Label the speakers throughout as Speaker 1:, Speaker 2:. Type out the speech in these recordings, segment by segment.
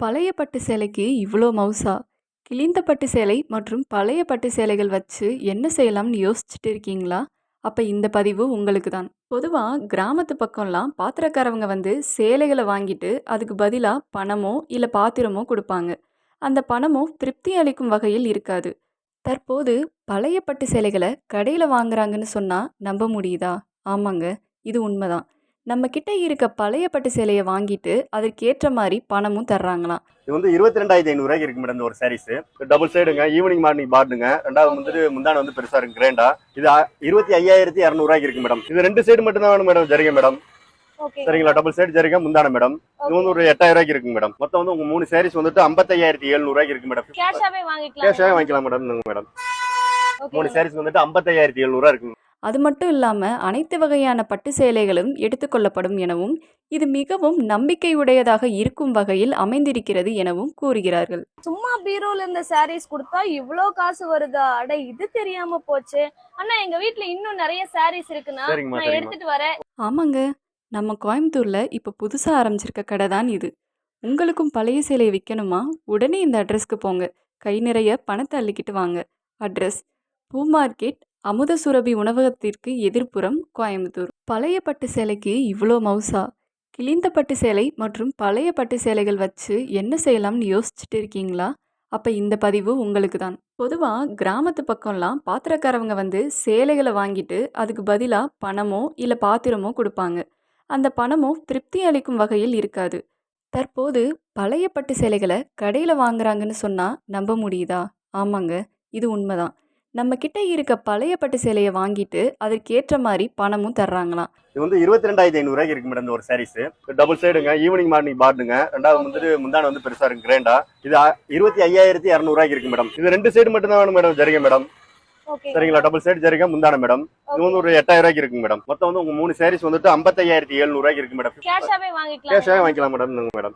Speaker 1: பழைய பட்டு சேலைக்கு இவ்ளோ மவுசா? கிழிந்த பட்டு சேலை மற்றும் பழைய பட்டு சேலைகள் வச்சு என்ன செய்யலாம்னு யோசிச்சுட்டு இருக்கீங்களா? அப்ப இந்த பதிவு உங்களுக்கு தான். பொதுவா கிராமத்து பக்கம்லாம் பாத்திரக்காரவங்க வந்து சேலைகள வாங்கிட்டு அதுக்கு பதிலா பணமோ இல்ல பாத்திரமோ குடுப்பாங்க. அந்த பணமும் திருப்தி அளிக்கும் வகையில் இருக்காது. தற்போது பழைய பட்டு சேலைகள கடையில வாங்குறாங்கன்னு சொன்னா நம்ப முடியுதா? ஆமாங்க, இது உண்மதான். நம்ம கிட்ட இருக்க பழைய பட்டு சேலைய வாங்கிட்டு அதற்கேற்ற மாரி பணமும் தர்றாங்களாம்.
Speaker 2: இது வந்து 22,500 இருக்கு மேடம். இந்த ஒரு சாரீஸ் டபுள் சைடுங்க, ஈவினிங் மார்னிங் பார்டுங்க. ரெண்டாவது வந்துட்டு முந்தான வந்து பெருசா இருக்கு, கிரேண்டா. இது 25,200 இருக்கு மேடம். இது ரெண்டு சைடு மட்டும் தான் வேணும் மேடம், ஜரிகை மேடம். சரிங்களா, டபுள் சைடு ஜரிகை, முந்தான மேடம். இது வந்து ஒரு 8,000 இருக்கு மேடம். மொத்தம் வந்து உங்க 3 சாரீஸ் வந்துட்டு 55,700 இருக்கு மேடம்.
Speaker 3: கேஷாவே
Speaker 2: வாங்கிக்கலாம் மேடம். மேடம் 3 சாரீஸ் வந்துட்டு 55,700 இருக்கு.
Speaker 1: அது மட்டும் இல்லாம அனைத்து வகையான பட்டு சேலைகளும் எடுத்துக்கொள்ளப்படும் எனவும் இது மிகவும் நம்பிக்கையுடையதாக இருக்கும் வகையில் அமைந்திருக்கிறது எனவும் கூறுகிறார்கள்.
Speaker 3: சும்மா பீரோல இருந்த சாரீஸ் கொடுத்தா இவ்ளோ காசு வருதா? அட இது தெரியாம போச்சு. அண்ணா எங்க வீட்ல இன்னும் நிறைய சாரீஸ் இருக்குன்னா நான் எடுத்துட்டு வரேன்.
Speaker 1: ஆமாங்க, நம்ம கோயம்புத்தூர்ல இப்ப புதுசா ஆரம்பிச்சிருக்க கடை தான் இது. உங்களுக்கும் பழைய சேலை விற்கணுமா? உடனே இந்த அட்ரஸ்க்கு போங்க. கை நிறைய பணத்தை அள்ளிக்கிட்டு வாங்க. அட்ரஸ்: பூ மார்க்கெட், அமுதசுரபி உணவகத்திற்கு எதிர்ப்புறம், கோயம்புத்தூர். பழைய பட்டு சேலைக்கு இவ்ளோ மவுசா? கிழிந்த பட்டு சேலை மற்றும் பழைய பட்டு சேலைகள் வச்சு என்ன செய்யலாம்னு யோசிச்சுட்டு இருக்கீங்களா? அப்ப இந்த பதிவு உங்களுக்கு தான். பொதுவா கிராமத்து பக்கம்லாம் பாத்திரக்காரவங்க வந்து சேலைகளை வாங்கிட்டு அதுக்கு பதிலா பணமோ இல்ல பாத்திரமோ கொடுப்பாங்க. அந்த பணமும் திருப்தி அளிக்கும் வகையில் இருக்காது. தற்போது பழைய பட்டு சேலைகளை கடையில வாங்குறாங்கன்னு சொன்னா நம்ப முடியுதா? ஆமாங்க, இது உண்மைதான். நம்ம கிட்ட இருக்க பழைய பட்டு சேலைய வாங்கிட்டு அதற்கேற்ற மாதிரி பணமும் தர்றாங்களாம்.
Speaker 2: இது வந்து 22,500 இருக்கு மேடம். இந்த ஒரு சாரீஸ் டபுள் சைடுங்க, ஈவினிங் மார்னிங் பார்டுங்க. ரெண்டாவது வந்துட்டு முந்தான வந்து பெருசா இருக்கு, கிரேண்டா. இது 25,200 இருக்கு மேடம். இது ரெண்டு சைடு மட்டும் தான் வேணும் மேடம், ஜரிகை மேடம். சரிங்களா, டபுள் சைடு ஜரிகை, முந்தான மேடம். இது வந்து ஒரு 8,000 இருக்கு மேடம். மொத்தம் வந்து உங்க 3 சாரீஸ் வந்துட்டு 55,700 இருக்கு மேடம்.
Speaker 3: கேஷாவே
Speaker 2: வாங்கிக்கலாம் மேடம். மேடம்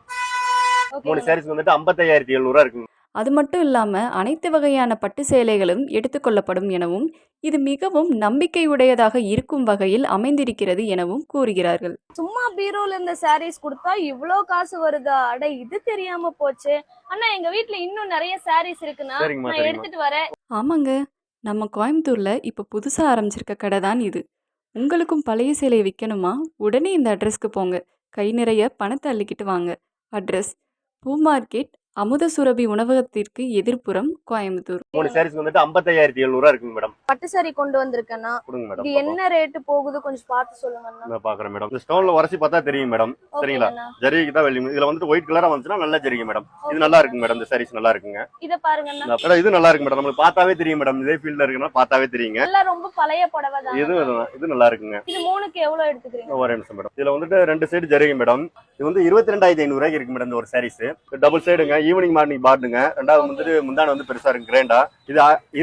Speaker 2: 3 சாரீஸ் வந்துட்டு 55,700 இருக்கு.
Speaker 1: அது மட்டும் இல்லாம அனைத்து வகையான பட்டு சேலைகளும் எடுத்துக்கொள்ளப்படும் எனவும் இது மிகவும் நம்பிக்கையுடையதாக இருக்கும் வகையில் அமைந்திருக்கிறது எனவும் கூறுகிறார்கள்.
Speaker 3: சும்மா பீரோல இருந்த சாரீஸ் கொடுத்தா இவ்ளோ காசு வருதா? அட இது தெரியாம போச்சு. அண்ணா எங்க வீட்ல இன்னும் நிறைய சாரீஸ் இருக்குன்னா நான் எடுத்துட்டு வரேன்.
Speaker 1: ஆமாங்க, நம்ம கோயம்புத்தூர்ல இப்ப புதுசா ஆரம்பிச்சிருக்க கடை தான் இது. உங்களுக்கும் பழைய சேலை விற்கணுமா? உடனே இந்த அட்ரஸ்க்கு போங்க. கை நிறைய பணத்தை அள்ளிக்கிட்டு வாங்க. அட்ரஸ்: பூ மார்க்கெட், அமுதசுரபி உணவகத்திற்கு எதிர்ப்புறம், கோயம்புத்தூர்.
Speaker 2: 3 சாரீஸ் வந்துட்டு 55,700 இருக்குங்க மேடம்.
Speaker 3: பட்டு சாரி கொண்டு வந்திருக்கேன்னா இது என்ன ரேட் போகுது கொஞ்சம் பார்த்து சொல்லுங்க.
Speaker 2: நான் பாக்குறேன் மேடம். இந்த ஸ்டோன்ல உரசி பார்த்தா தெரியும் மேடம். சரிங்களா, ஜரிகைக்கு தான் வெள்ளி. இதுல வந்துட்டு ஒயிட் கலரா வந்துச்சுன்னா நல்ல ஜரிகை மேடம். இது நல்லா இருக்கு மேடம். இந்த சாரீஸ் நல்லா இருக்குங்க.
Speaker 3: இத பாருங்க.
Speaker 2: இது நல்லா இருக்கு மேடம். நமக்கு பார்த்தாவே தெரியும் மேடம். இதே ஃபீல்ட்ல இருக்குன்னா பார்த்தாவே தெரியுங்க.
Speaker 3: எல்லாம் ரொம்ப பழைய புடவை தான்.
Speaker 2: இது நல்லா இருக்குங்க.
Speaker 3: இது மூணுக்கு எவ்வளவு எடுத்துக்கிறீங்க?
Speaker 2: ஒரு நிமிஷம் மேடம். இதுல வந்துட்டு ரெண்டு சைடு ஜரிகை மேடம். இது வந்து 22,500 இருக்கு மேடம். இந்த ஒரு சாரீஸ் டபுள் சைடுங்க, ஈவினிங் மார்னிங் பார்டுங்க. ரெண்டாவது வந்துட்டு முந்தான வந்து பெருசா இருக்கு, கிரேண்டா. இது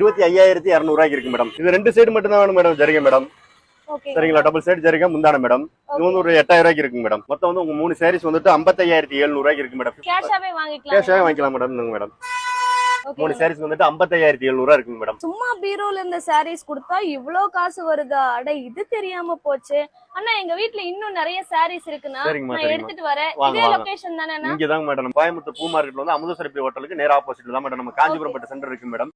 Speaker 2: 25,200 இருக்கு மேடம். இது ரெண்டு சைடு மட்டும் தான் வேணும் மேடம், ஜரிகை மேடம். சரிங்களா, டபுள் சைடு ஜரிகை, முந்தான மேடம். இது வந்து ஒரு 8,000 இருக்கு மேடம். மொத்தம் வந்து உங்க 3 சாரீஸ் வந்துட்டு 55,700 இருக்கு மேடம்.
Speaker 3: கேஷாவே
Speaker 2: வாங்கிக்கலாம் மேடம். மேடம் 3 சாரீஸ் வந்துட்டு 55,700 இருக்குங்க மேடம்.
Speaker 3: சும்மா பீரோல இருந்த சாரீஸ் கொடுத்தா இவ்ளோ காசு வருதா? அட இது தெரியாம போச்சு. அண்ணா எங்க வீட்ல இன்னும் நிறைய சாரீஸ் இருக்குன்னா நான் எடுத்துட்டு வரேன். இதே லொகேஷன் தானே?
Speaker 2: இங்க தான் மேடம். கோயம்புத்தூர் பூ மார்க்கெட்ல வந்து அமுதசுரபி ஹோட்டலுக்கு நேரா ஆப்போசிட்ல தான் மேடம் நம்ம காஞ்சிபுரம் பட்டு சென்டர் இருக்கு மேடம்.